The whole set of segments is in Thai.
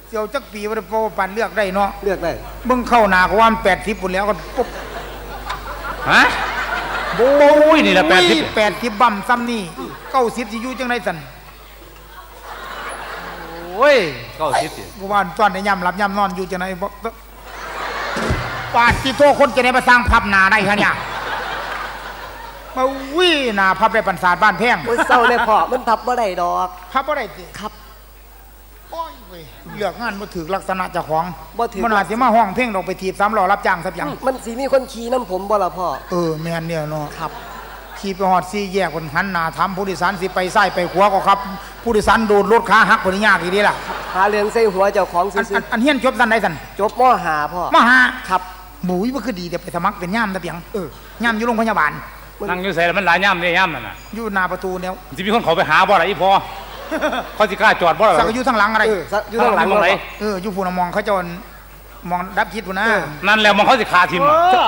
เสี่ยวจักปีว่าโปปันเลือกได้เนาะเลือกได้เบิ่งเข้าหนาก็ว่ามัน80ปุ่นแล้วก็ปุ๊บฮะโอ้ยนี่แหละ 80บั่มซ้ำนี่90สิอยู่จังได๋สั่นโอ้ย90สิกูว่าตอนได้ย่ำหลับย่ำนอนอยู่จังได๋บ่ปาดที่โตคนจะได้มาสร้างพับหน้าได้คะเนี่ยมาวิ่หน้าพับได้ปันศาสตร์บ้านแพงโอ้ยเศร้าเลยพ่อมันพับบ่ได้ดอกพับบ่ได้สิครับโอ้ยเว้ยเลือกงานบ่ถูกลักษณะเจ้าของบ่ถูกมันอาจสิมาห้องเพลงดอกไปถีบ3ล้อรับจ้างซับหยังมันสิมีคนขี่นํผมบ่ล่ะพ่อแม่นเนี่ยเนาะครับขี่ไปฮอด4แยกคนหันหน้าถามผู้โดยสารสิไปซ้ายไปขวาก็ครับผู้โดยสารโดนรถขาหักบ่ได้ยากอีดีล่ะหาเรื่องใส่หัวเจ้าของซื่ออันเฮียนจบซั่นใดซั่นจบม.5พ่อม.5 ครับหมูบ่คือดีแต่ไปสมัครเป็นย่ามตะเปียงย่ามอยู่โรงพยาบาลนั่งอยู่ใส่แล้วมันหลายย่ำเนี่ยย่ำนั่นน่ะอยู่หน้าประตูเนี่ยจะมีคนเขาไปหาบ่อะไรอีพอเขาสิกล้าจอดบ่อะไรสักอยู่ทางหลังอะไรอยู่ทางหลังไหนอยู่ผู้นมองเขาจนมองดับคิดผู้นะนั่นแล้วมองเขาสิคาทิม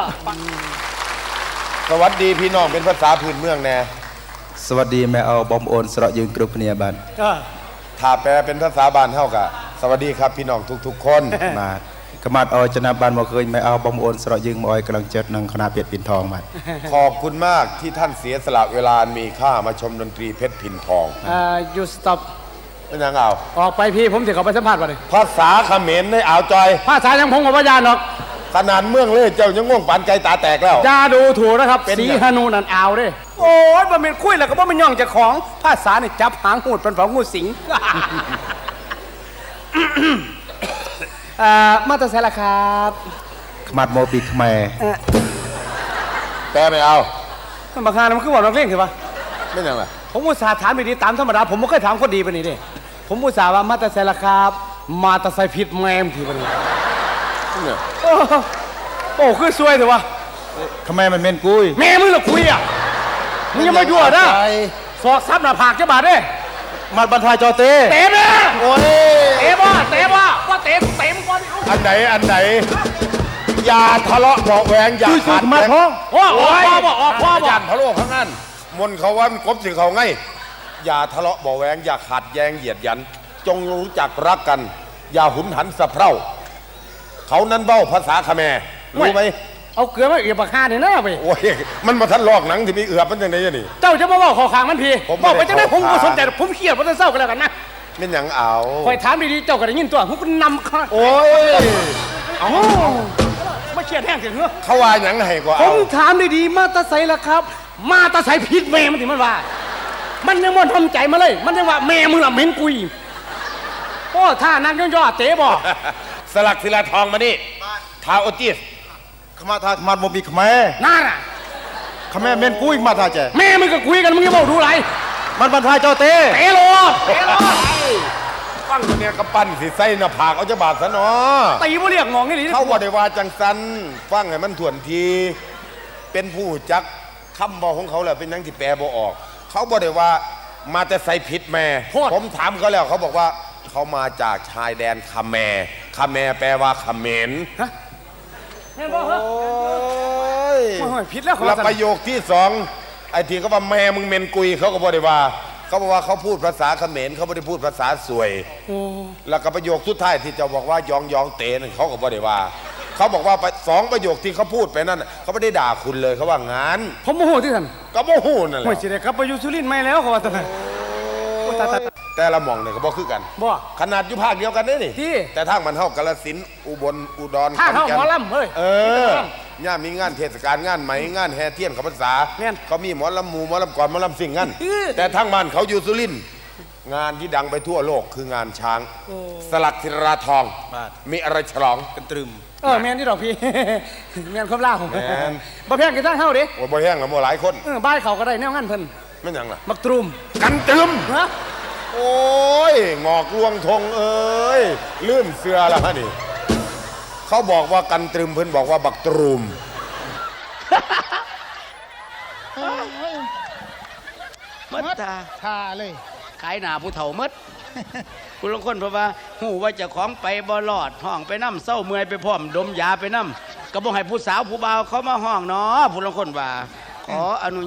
สวัสดีพี่น้องเป็นภาษาพื้นเมืองแน่สวัสดีแม่เอาบอมโอนสระยืนกรุบเนียบันถ้าแปลเป็นภาษาบ้านเท่ากับสวัสดีครับพี่น้องทุกๆคนมากระมาดเอาจนาบันมาเคยแม่เอาบอมโอนสระยืนมอยกำลังเจิดนังคณะเปียดปิ่นทองมาขอบคุณมากที่ท่านเสียสละเวลามีค่ามาชมดนตรีเพชรพินทอง you stop เป็นยังเอาออกไปพี่ผมจะขอไปสัมภาษณ์ก่อนเลยภาษาเขมรในอ่าวจอยภาษายังพงกับพยานหรอกขนาดเมืองเลยเจ้ายังง่วงปานไก่ตาแตกแล้วอย่าดูถูกนะครับสีฮานูนันอ่าวด้วยโอ้ยบ่เป็นคุยแล้วก็บ่เป็นย่องจากของภาษาเนี่ยจับหางหูดเป็นเผางูสิงมาตรเสละครับขมัดโมบิขแม่แปลไม่เอาบางครั้งมันคือบอกนักเล่นคือปะไม่ยังไงผมอุตส่าห์ถามไปดีตามธรรมดาผมไม่เคยถามคนดีไปนี่ดิผมอุตส่าห์ว่ามาตรเสละครับมาตรไซผิดแมมทีไปนี่โอ้คือซวยเถอะวะขแม่มันเมนกุยแม่มึงหรอคุยอ่ะมึงยังมายั่วนะสอกซับหน้าผากเจ้าบาดเด้มาบรรทายจอเต้เตะแม่โอ้ยเตะว่าว่าเตะมึงก่อนอันไหนอย่าทะเลาะเบาแหวงอย่าขัดมาท้องพ่อยันทะเลาะข้างนั้นมนเขาว่ามันกบถึงเขาไงอย่าทะเลาะเบาแหวงอย่าขัดแย้งเหยียดยันจงรู้จักรักกันอย่าหุนหันสะเพร่าเขานั้นเบ้าภาษาเขมรรู้ไหมเอาเกลือมาเอือบปากคาเนี่ยนะไปโอ้ยมันมาทันลอกหนังที่มีเอือบมันยังไงนี่เจ้าจะมาว่าขอขางมันพี่บอกไปจะได้ผมก็สนใจผมเครียดเพราะเศร้ากันแล้วกันนะเป็นอย่างเอาคอยถามดีๆเจ้าก็ได้ยินตัวผมก็นำข้าโอ้ยเอาไม่เครียดแห้งเสียงเหรอเขาว่าอย่างไรกว่าผมถามดีๆมาตาใสละครับมาตาใสผิดแม่มันถึงมันว่ามันยังมันทำใจมาเลยมันยังว่าแม่มึงละเม้นกุยโอ้ท่านั่งย่อเตะบอกสลักศิลาทองมานี่ท้าโอติสขมาทาขมัดโมบิขแม่น่าน่ะขแม่เมนกุยมาทาเจแม่มึงก็คุยกันมึงยังบอกดูไรมันบรรทายจอเต้เตะโลฟังเนี่ยกระปั้นสิใส่หน้าผากเอาจะบาดซะเนาะตีบ่เรียกงองนี่หรือเขาบอกได้ว่าจังสันฟังให้มันถ่วนทีเป็นผู้จักคำบอกของเขาแหละเป็นยังที่แปลบ่ออกเขาบอกได้ว่ามาแต่ใส่ผิดแม่ผมถามเขาแล้วเขาบอกว่าเขามาจากชายแดนคาแมแปลว่าเขมรโอ้ยผิดแล้วแล้วประโยคที่สองไอ้ทีเขาว่าแม่มึงเมนกุยเขาก็บอกได้ว่าเขาบอกว่าเขาพูดภาษาเขมรเขาไม่ได้พูดภาษาสวยแล้วก็ประโยคสุดท้ายที่จะบอกว่ายองเตนเขาก็บอกได้ว่าเขาบอกว่าสองประโยคที่เขาพูดไปนั่นเขาไม่ได้ด่าคุณเลยเขาว่างานผมโมโหที่ท่านก็โมโหนั่นแหละโอ้ยสิได้ครับไปอยู่สุรินทร์ไม่แล้วเขาว่าแต่ละมองเนี่ยก็บอกคือกันขนาดอยู่ภาคเดียวกันนี่แต่ทางมันเท่ากาฬสินธุ์อุบลอุดรท่าเท่าหมอลำเฮ้ยย่ามีงานเทศกาลงานไหมงานแห่เทียนขพรรษาเขามีหมอลำหมู่หมอลำก่อนหมอลำสิ่งงั้นแต่ทางบ้านเขาอยู่สุรินทร์งานที่ดังไปทั่วโลกคืองานช้างสลักศิลาทองมีอะไรฉลองกันตรึมแมนที่ดอกพี่แมนครบล่าผมบ่แพงกี่ตั้งเท่าดิบ่แพงแล้วบ่หลายคนบ้านเขาก็ได้แนวงั้นเพิ่นไม่ยังล่ะมักตรุมกันตรึมโอ้ยงอกลวงทงเอ้ยลืมเสือแล้วนี่เขาบอกว่ากันตรึมเพิ่นบอกว่าบักตรุมมัดทาเลยขายหนาผู้เฒ่ามัดคุณลงคนเพราะว่าหูว่าจะของไปบ่รอดห้องไปน้ำเศร้าเมื่อยไปพร้อมดมยาไปน้ำก็บอกให้ผู้สาวผู้บ่าวเขามาห้องเนาะผู้ลงคนว่าขออนุญาต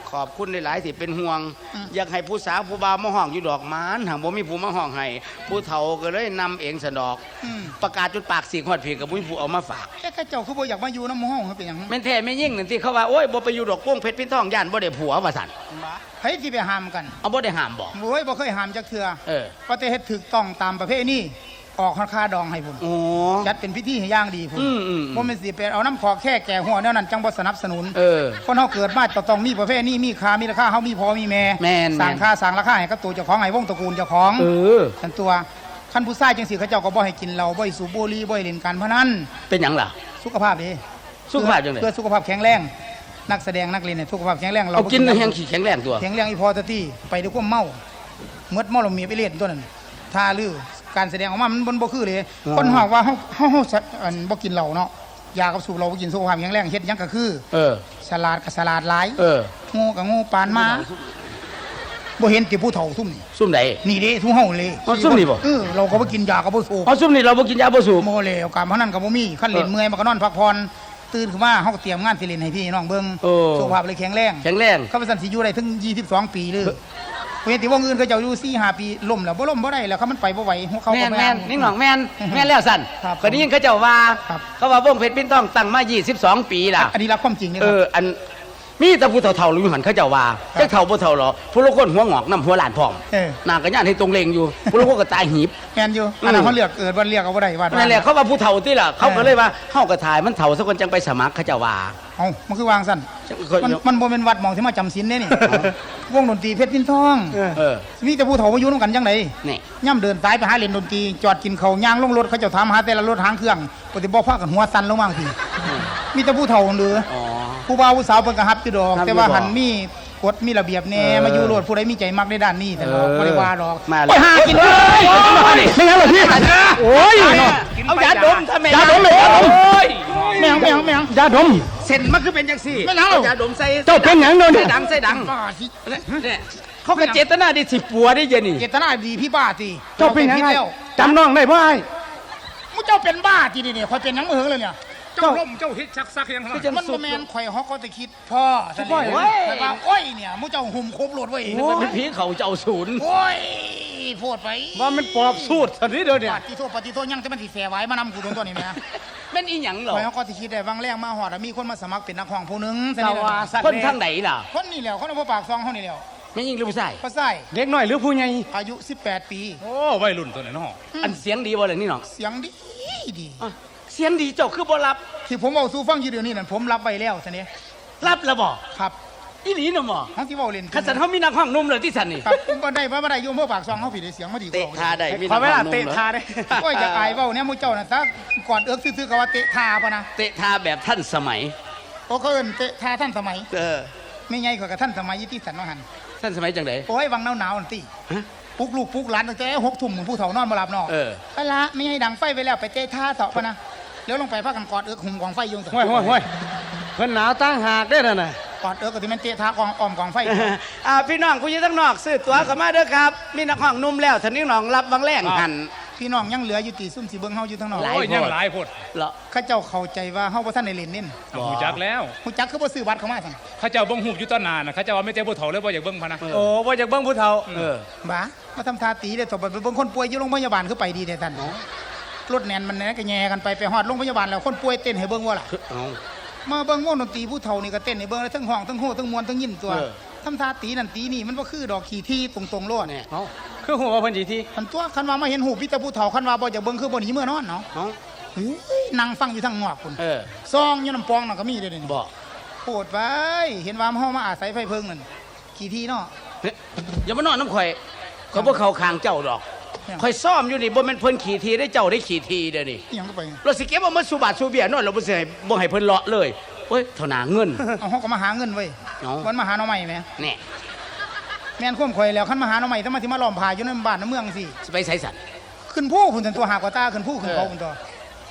ขอบคุณหลายๆที่เป็นห่วง อยากให้ผู้สาวผู้บ่าวมาห้องอยู่ดอกหมานหางบ่มีผู้มาห้องให้ผู้เฒ่าก็เลยนำเองสะดอก ประกาศจนปากสีกฮอดผีกับผู้ผู้เอามาฝากข้าเจ้าคือบ่อยากมาอยู่น้ำหมู่ห้องเขาเป็นหยังแม่นแท้แม่ยิ่งนั่นที่เขาว่าโอ้ยบ่ไปอยู่ดอกโป้งเพชรพินทองย่านบ่ได้ผัวว่าซั่นไผสิไปห้ามกันเอาบ่ได้ห้ามบอกโอ้ยบ่เคยห้ามจักเทื่อเออว่าแต่เฮ็ดถูกต้องตามประเพณีออกค่าดองให้พุ่นโอ้จัดเป็นพิธีให้อย่างดีพุ่นอืมบ่แม่นสิไปเอาน้ำขอแค่แก่หัวแนวนั้นจังบ่สนับสนุนเออคนเฮาเกิดมาต้องมีประเพณีมีค่ามีราคาเฮามีพอมีแม่แม่นสร้างค่าสร้างราคาให้กับตัวเจ้าของให้วงตระกูลเจ้าของเออกันตัวคันผู้ชายจังสิเขาเจ้าก็บ่ให้กินเหล้าบ่ให้สูบบุหรี่บ่ให้เล่นการพนันเป็นหยังล่ะสุขภาพดีสุขภาพจังได๋เพื่อสุขภาพแข็งแรงนักแสดงนักเล่นเนี่ยสุขภาพแข็งแรงเอากินแห้งขี้แข็งแรงตัวแข็งแรงอีพอตะตี้ไปด้วยความเมาเมื่อเมาเรามีไปเล่นตัวนั้นท่าลือการแสดงออกมามันบ่คือเลยคนหอกว่าเฮาอันบ่กินเหล้าเนาะยากับสูบเราบ่กินสุขภาพแข็งแรงเฮ็ดหยังก็คือเออฉลาดก็ฉลาดหลายเออโง่ก็โง่ปานมาบ่เห็นติผู้เฒ่าซุ่มนี่ซุ่มใดนี่เด้ทุเฮาเลยอ๋อซุ่มนี่บ่เราก็บ่กินยาก็บ่สูบเอาซุ่มนี่เราบ่กินยาบ่สูบโมแล้วการพนันก็บ่มีคันเล่นเมื่อยมันก็นอนพักผ่อนตื่นขึ้นมาเฮาก็เตรียมงานสิเล่นให้พี่น้องเบิ่งโอ้สุขภาพเลยแข็งแรงแข็งแรงเขาเป็นสันสิอยู่ได้ถึง22 ปีเลยเห็นที่วงอื่นเขาเจ้าอยู่4-5 ปีล่มแล้วบ่ล่มบ่ได้แล้วเขามันไปบ่ไหวหัวเขาแม่ก็นบ่แม่นนิ่งหนองแม่นแม่นแล้วสั่นครับคนนี้ยิ่งเขาเจ้าว่าครับเขาว่าวงเพชรพินต้องตั้งมา22 ปีล่ะอันนี้รับความจริงนี่เอครับออันมีแต่ผู้เฒ่าๆรู้อยู่หันเขาเจ้าว่าจักเฒ่าบ่เฒ่าหรอผู้ละคนหัวงอกน้ำหัวหลานพร้อมเออหน้าก็ย่านให้ตรงเลงอยู่ผู้ละคนก็ตายหีบแม่นอยู่อันนั้นเขาเลือกเกิดวันเรียกเอาบ่ได้ว่านั่นแหละเขาว่าผู้เฒ่าที่ล่ะเขาก็เลยว่าเฮาก็ถ่ายมันเฒ่าสักคนจังไปสมัครเขาเจ้าว่าเอ้ามันคือวางซั่นจังมันบ่แม่นวัดหม่องที่มาจำศีลเด้นี่วงดนตรีเพชรพินทองเออมีแต่ผู้เฒ่ามาอยู่นํกันจังไดนี่ย่ำเดินสายไปหาเล่นดนตรีจอดกินข้าวย่างลงรถเขาเจ้าถามหาแต่ละรถหางเครื่องปฏิบ่พากันหัวสั่นลงมาทีมีแต่ผู้เฒ่าหรืออ๋อผู้บ่าวผู้สาวเพิ่นก็ฮับอยู่ดอกฮับอยู่แต่ว่าดอกหันมีกฎมีระเบียบแน่เออมาอยู่โลดผู้ใดมีใจมักในด้านนี้แต่เนาะบ่ได้ว่าดอกมาเลยโอ้ยหากินเลยไม่งั้นหรอพี่โอ้ยเอายาดมทำไมยาดมเลยโอ้ยแมวแมวยาดมเส้นมันคือเป็นจังซี่ไม่เอายาดมใส่เจ้าเป็นหยังโดนใส่ดังใส่ดังบ้าสิเนี่ยเขาก็เจตนาดีสิปัวได้เย็นนี่เจตนาดีพี่บ้าสิเจ้าเป็นหยังพิษไงแล้วจำน้องได้บ่ไอ้มึงเจ้าเป็นบ้าทีนี่คอยเป็นหยังมือเหิงเลยเนี่ยเจ้าเจ้าเฮ็ดซักๆยังไงมันบ่แม่นข่อยฮอกก็จะคิดพ่อซะพ่อนี่เว้ยแต่ว่าโอ้ยเนี่ยมึงเจ้าหุ่มครบโลดเว้ยมันเป็นผีเขาเจ้าศูนย์โอ้ยโพดไปว่ามันปอบสูตรสันนี้เดียวเนี่ยปฏิโทษยังจะมันสิแสไว้มานำกูตัวนี้แม่เป็นอีหยังเหรอข่อยฮอกก็สิคิดได้บางแรงมาฮอดอะมีคนมาสมัครเป็นนักร้องผู้หนึงซะสนี่วาล่ะสัตว์คนทางไหนล่ะคนนี่แหล้วคนเอาปากซองเฮานี่แหล้วไม่ยิงหรือผู้ชายพ่อไส้เด็กน้อยหรือผู้ใหญ่อายุ18 ปีโอ้วัยรุ่นตัวนี้เนาะอันเสียงดีบ่เลยนี่น้องเสียงดีดีอ่ะเสียงดีเจ้าคือบ่รับที่ผมเอาสู่ฟังอยู่เดี๋ยวนี้นั่นผมรับไว้แล้วซะนี่รับแล้วบ่ครับอีหลีน่ะบ่เฮาสิเว้าเล่นคันสันเฮามีนักห้องนุ่มเลยที่สันนี่ครับบ่ได้อยู่อำเภอปากซองเฮาผิดได้เสียงมาดีกเตะว่าทาได้มีขอนักเวห้ลาองนุ่มเตะเหรอทาได้โอ้ยจะอายเว้าเนี่ยหมู่เจ้าน่ะซะกอดเอิกซื่อๆก็ว่าเตะทาปะนะเตะทาแบบท่านสมัยโอ้เขาเอิ้นเตะทาท่านสมัยเออไม่ใหญ่กว่ากับท่านสมัยยี่ที่สันว่าหั่นท่านสมัยจังไดโอ้ยวังหนาวๆนั่นติฮะปลุกลูกปลุกหลานตั้งแต่6 ทุ่มผู้เฒ่านอนบ่หลับเนาะเออไปละไม่ให้ดังไฟไปแล้วไปเตะท่าเสาะปะนะแล้วลงไปพากันกอดเอิกหุ่มกองไฟอยุงห้วยห้วยห้วยเพิ่นหนาวตั้งหากได้อน่ะกอดเอิกก็ที่มันเตะท่ากองอ้อมกองไฟพี่น้องผู้อยู่ทั้งนอกซื้อตั๋วเข้ามาเด้อครับ มีนักห้องนุ่มแล้วท่านนี้น้องรับบางแรงหันพี่น้องยังเหลืออยู่ตีซุ่มสีเบิ้งเฮาอยู่ทั้งนอกหลายโอ้ยยังหลายพดเหรอเข้าเจ้าเข้าใจว่าเฮาบ่ทันได้เล่นเน้นหูจักแล้วฮู้จักคือบ่ซื้อบัตรเข้ามาซั่นเขาเจ้าเบิ่งหูบอยู่ต้นนานนะเขาเจ้าว่าไม่เจ้าผู้เฒ่าเลยว่าอยากเบิ่งพะนะโอ้ว่าจากเบิ่งผู้เฒ่าเออบ้ามาทำท่าตีได้ตบไปเบิ่งคนป่วยอยู่โรงพยาบาลคือไปดีแท้ซั่นรถแน่นมันแน่ก็แย่กันไปฮอดโรงพยาบาลแล้วคนป่วยเต้นให้เบิ่งว่าล่ะเอามาเบิ่งวงดนตรีผู้เฒ่านี่ก็เต้นให้เบิ่งแล้วทั้งห้องทั้งโห่ทั้งมวนทั้งยินตัวเออทำท่าตีนั่นตีนี่มันบ่คือดอกขี้ที่ตรงๆโลดเนี่ยเอาคือหัวว่าเพิ่นสิที่คันตัวคันว่ามาเห็นหูพี่แต่ผู้เฒ่าคันว่าบ่อยากเบิ่งคือบ่หนีเมื่อนอนเนาะเอาเฮ้ยนั่งฟังอยู่ทางงอกพุ่นเออซองอยู่น้ำปองน่ะก็มีเด้อนี่บอกโปรดไปเห็นว่าเฮามาอาศัยไฟเพิงนั่นขี้ที่เนาะเฮ้ยอย่ามานอนน้ำข่อยเขาบ่เข้าข้างเจ้าดอกยังข่อยซ่อมอยู่นี่บ่แม่นเพิ่นขี่ทีได้เจ้าได้ขี่ทีเด้อนี่อิหยังก็ไปเราสิเก็บเอามาสู่บาทสู่เบียร์นอนเราบ่สิให้บ่ให้เพิ่นเลาะเลยเฮ้ยเท่าหนาเงินเอาเฮาก็มาหาเงินเว้ยเอาวันมาหาหน่อใหม่แหมแน่แม่นข่มข่อยแล้วคันมาหาหน่อใหม่ถ้ามาสิมาล้อมผาอยู่ในบ้านในเมืองสิสิไปไสสันขึ้นผู้พุ่นซั่นตัวหากว่าตาขึ้นผู้ขึ้นเขาพุ่นตัว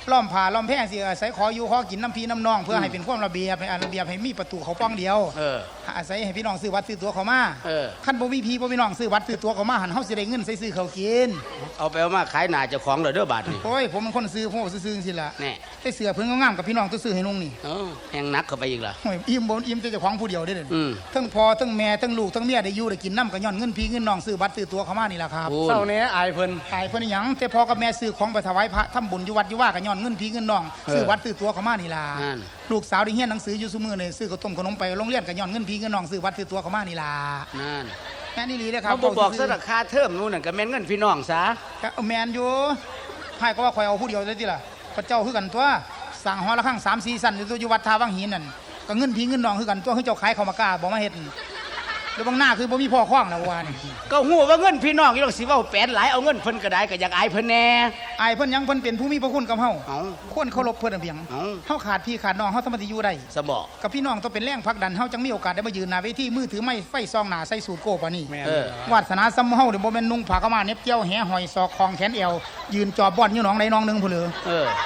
ล้อมผ้าล้อมแพร่สิอาศัยขออยู่ขอกินน้ำพีน้ำนองเพื่อให้เป็นความระเบียบให้ระเบียบให้มีประตูเขาป้องเดียว อาศัยให้พี่น้องซื้อวัดซื้อตัวเขามาขั้นบ่มีพี่บ่มีน้องซื้อวัดซื้อตัวเขามาหันเฮาสิได้เงินใส่ซื้อเขากินเอาไปเอามาขายหน้าเจ้าของเลยเด้อบาทนี่โอ้ยผมเป็นคนซื้อผมซื้อๆสิล่ะแน่ได้เสือเพิ่นงามๆกับพี่น้องตัวซื้อให้นุ่งนี่แหงนักเข้าไปอีกล่ะโอ้ยอิ่มบ่อิ่มแต่เจ้าของผู้เดียวได้เด้ออืมทั้งพ่อทั้งแม่ทั้งลูกทั้งเมียได้อยู่ได้กินน้ำก็ย้อนเงินพี่เงินน้องซื้อวัดซื้อตัวเขามานี่ล่ะครับเศร้าแหน่อายเพิ่นขายเพิ่นหยังแต่พ่อกับแม่ซื้อของไปถวายพระทำบุญอยู่วัดอยู่ว่าก็ย้อนเงินพี่เงินน้องซื้อวัดซื้อตัวเขามานี่ล่ะนั่นลูกสาวได้เรียนหนังสืออยู่ซุมื้อนี่ซื้อข้าวต้มขนมไปโรงเรียนก็ย้อนเงินพี่เงินน้องซื้อวัดซื้อตัวเขามานี่ล่ะนั่นแม่นี่ลีเด้อครับเขาบอกซะราคาเทอมนู่นน่ะก็แม่นเงินพี่น้องซะก็เอาแม่นอยู่ไผก็ว่าข่อยเอาผู้เดียวเลยติล่ะพระเจ้าคือกันตัวสั่งหอละครั้ง3-4สั่นอยู่ตัวอยู่วัดท่าวังหินนั่นก็เงินพี่เงินน้องคือกันตัวคือเจ้าขายข้าวมากล้าบ่มาเฮ็ดแล้วบางหน้าคือบ่มีพ่อคล้องแล้วว่านี่ก็ฮู้ว่าเงินพี่น้องอยู่ดอกสิเว้าแปดหลายเอาเงินเพิ่นก็ได้ก็อยากอายเพิ่นแน่อายเพิ่นหยังเพิ่นเป็นผู้มีพระคุณกับเฮาเอ้าควรเคารพเพิ่นเพียงเอ้าเฮาขาดพี่ขาดน้องเฮาสามารถอยู่ได้สบอกกับพี่น้องต้องเป็นแรงผลักดันเฮาจังมีโอกาสได้มายืนหน้าเวทีมือถือไม้ไฟซองหน้าใส่สูทโก้ปานนี้เออวาสนาซ้ำเฮาเดี๋ยวบ่แม่นนุ่งผ้ากะมาเหน็บเกี่ยวแหหอยซอกคองแขนเอวยืนจอบบ่อนอยู่หนองใดหนองหนึงพุ่นเหลือเออ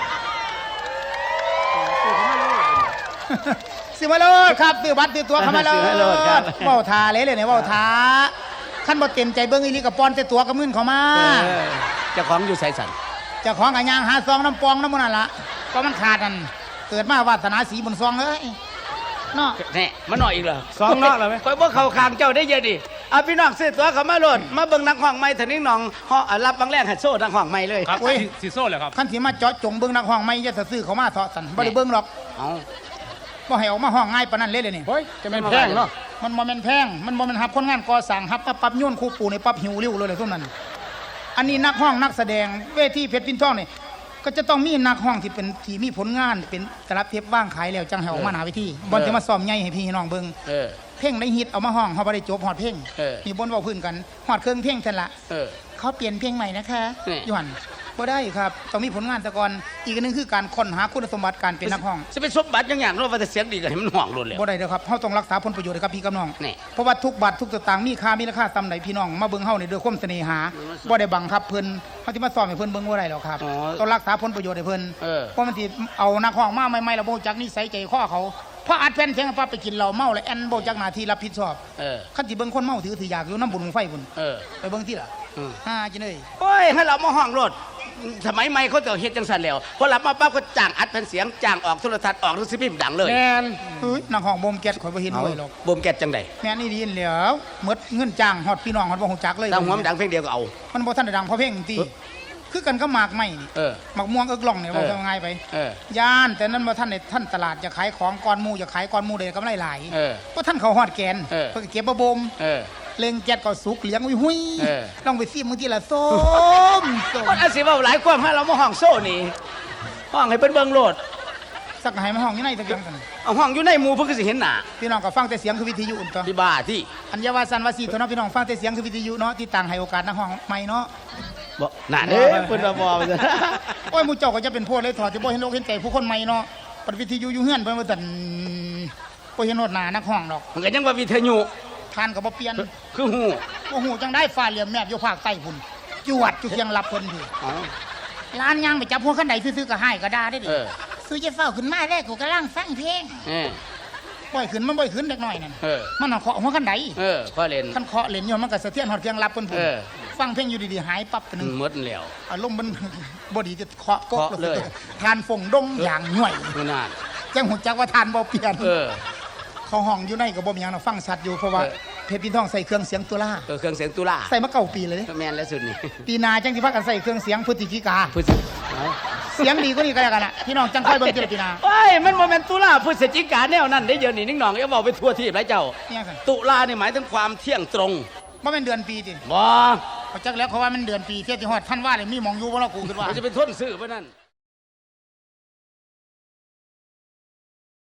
ซื้อมาเลยครับซื้อบัตรซื้อตั๋วเข้ามาเลยซื้อมาเลยครับเว้าทาเลยเนี่ยเว้าทาคันบ่เต็มใจเบิ่งอีหลีก็ป้อนแต่ตั๋วกับมื้นเข้ามาเจ้าของอยู่ไสสันเจ้าของก็ย่างหาซองน้ำปองน้ำมันนั่นล่ะก็มันขาดนั่นเกิดมาวาสนาสีบนซองเอ้ยเนาะแน่มาหน่อยอีกเหรอสองเนาะแล้วไหมคอยบ่เข้าข้างเจ้าได้เยอะดิเอาพี่น้องซื้อตั๋วเข้ามาโลดมาเบิ่งนักห้องใหม่เถอะนิ่งหนองฮอรับบางแรงหัดโซ่นักห้องใหม่เลยครับสีโซ่เลยครับคันสิมาเจาะจงเบิ่งนักห้องไม่จะซื้อเขามาเถาะสันบ่ได้เบิ่งหรอกเอาบ่ให้ออกมาห้องง่ายปานนั้นเลยนี่เฮ้ยจะเป็นแพงเนาะมันบ่แม่นแพงมันบ่แม่นหับคนงานก่อสร้างหับปั๊บโยนคู่ปูในปั๊บหิวริ้วเลยซุ่มนั้นอันนี้นักห้องนักแสดงเวทีเพชรปินทองนี่ก็จะต้องมีนักห้องที่เป็นที่มีผลงานเป็นตลับเทปว่างขายแล้วจังให้ออกมาหน้าเวทีบ่สิมาซ้อมใหญ่ให้พี่น้องเบิ่งเออเพลงได้ฮิตเอามาห้องเฮาบ่ได้จบฮอดเพลง มีบนเว้าพื้นกันฮอดเครื่องเพลงซั่นละเออเขาเปลี่ยนเพลงใหม่นะคะนี่อยู่หั่นบ่ได้ครับต้องมีผลงานแต่ก่อนอีกอันหนึงคือการค้นหาคุณสมบัติการเป็นนักห้องจะเป็นสมบัติอย่างๆเนาะว่าแต่เสียงดีก็ให้มันห่องโลดแล้วบ่ได้เด้อครับเฮาต้องรักษาผลประโยชน์ให้กับพี่กับน้องนี่เพราะว่าทุกบาททุกสตางค์มีค่ามีราคาส่ำใดพี่น้องมาเบิ่งเฮานี่ด้วยความเสน่หาบ่ได้บังคับเพิ่นเฮาสิมาสอนให้เพิ่นเบิ่งบ่ได้หรอกครับอ๋อต้องรักษาผลประโยชน์ให้เพิ่นเออเพราะมันสิเอานักห้องมาใหม่ๆแล้วบ่รู้จักนิสัยใจคอเขาพออัดแผ่นเสียงปั๊บไปกินเหล้าเมาแล้วแอนบ่รู้จักหน้าที่รับผิดชอบเออคันสิเบิ่งคนเมาถืออยากอยู่น้ำบุญไฟพุ่นเออไปเบิ่งที่ล่ะอืมจิเอ้ยโอ้ยให้เรามาห้องโลดสมัยใหม่เขาจะเฮ็ดจังซั่นแล้วพอหลับมาปั๊บก็จ้างอัดแผ่นเสียงจ้างออกโทรทัศน์ออกหนังสือพิมพ์ดังเลยแมนเฮ้ยนักห้องบ่มแก๊สข่อยบ่เห็นด้วยหรอกบ่มแก๊สจังได๋แม่นอี่ดีนแหล้วหมดเงินจ้างฮอดพี่น้องฮอดบ่ฮู้จักเลยดังหัวมันดังเพลงเดียวก็เอามันบ่ทันได้ดังเพราะเพลงติคือกันก็หมากไม้นี่เออหมากม่วงเอิกล่องเนี่ยเออว่าง่ายไปเออย่านแต่นั้นบ่ทันได้ท่านตลาดจะขายของก่อนหมู่จะขายก่อนหมู่ได้กำไรหลายเออบ่ทันเขาฮอดแกนเออเพิ่นก็เก็บบ่บ่มเออเล็งแก๊สก็สุกเหลียงอุ้ยหุยเออลองไปซิมมื้อทีละส้มส้มคนอาสิเว้าหลายความให้เรามาห้องโซ่นี่ห้องให้เพิ่นเบิ่งโลดสักให้มาห้องอยู่ในตะเกียงกันเอาห้องอยู่ในหมู่เพิ่นก็สิเห็นหน้าพี่น้องก็ฟังแต่เสียงคือวิทยุอุ่นตัวที่บ้าที่อัญญาว่าสันว่าสีเท่านั้นพี่น้องฟังแต่เสียงคือวิทยุเนาะที่ต่างให้โอกาสนักห้องใหม่เนาะบ่น่ะเด้เพิ่นว่าบ่ว่าซั่นโอ้ยหมู่เจ้าก็จะเป็นพวกเลยถอดจะบ่เห็นโลกเห็นใจผู้คนใหม่เนาะปัดวิทยุอยู่เฮือนเพิ่นว่าซั่นบ่เห็นโนดหน้านักห้องดอกมันก็ยังว่าวิทยุทานก็บ่เปลี่ยนคือฮู้บ่ฮู้จังได้ฟ้าเหลี่ยมแมบอยู่ภาคใต้พุ่นจวดอยู่เคียงรับเพิ่นพี่อ๋อร้านย่างไปจับหัวคันใดซื่อๆก็ให้ก็ด่าได้ดิเออซื้อจะเฝ้าขึ้นมาแรกกูกำลังฟังเพลงเออปล่อยขึ้นมันบ่อยขึ้นเด็กน้อยนั่นเออมันเอาเคาะหัวคันใดเออข้อเล่นคันเคาะเล่นอยู่มันก็สะเทือนฮอดเคียงรับเพิ่นพุ่นเออฟังเพลงอยู่ดีๆหายปั๊บไปนึงหมดแล้วอารมณ์มัน บ่ดีจะเคาะกกเคาะเลยทานฟงดงอย่างหน่วยนั่นน่ะจังหูจักว่าทานบ่เปลี่ยนเออเขาห้องอยู่ในก็บ่มีหยังนะฟังชัดอยู่เพราะว่าเออเพชรพินทองใส่เครื่องเสียงตุลาเครื่องเสียงตุลาใส่มาเก่าปีเลยแม่นแล้วสุดนี่ปีหนาจังสิพากันใส่เครื่องเสียงพฤศจิกาพฤศจิเอาเสียงดีกว่านี้ก็แล้วกันล่ะพี่น้องจังค่อยเบิ่งทีละปีหนาโอ้ยมันบ่แม่นตุลาพฤศจิกาแนวนั้นได้เดี๋ยวนี้นิ่งหนองอย่าเว้าไปทั่วทีบหลายเจ้าเนี่ยกันตุลานี่หมายถึงความเที่ยงตรงบ่แม่นเดือนปีติบ่เขาจักแล้วเขาว่ามันเดือนปีเที่ยที่ฮอดท่านว่าเลยมีหมองอยู่บ่ล่ะกูคิดว่ามันจะเป็นทนซื้อบ่นั่น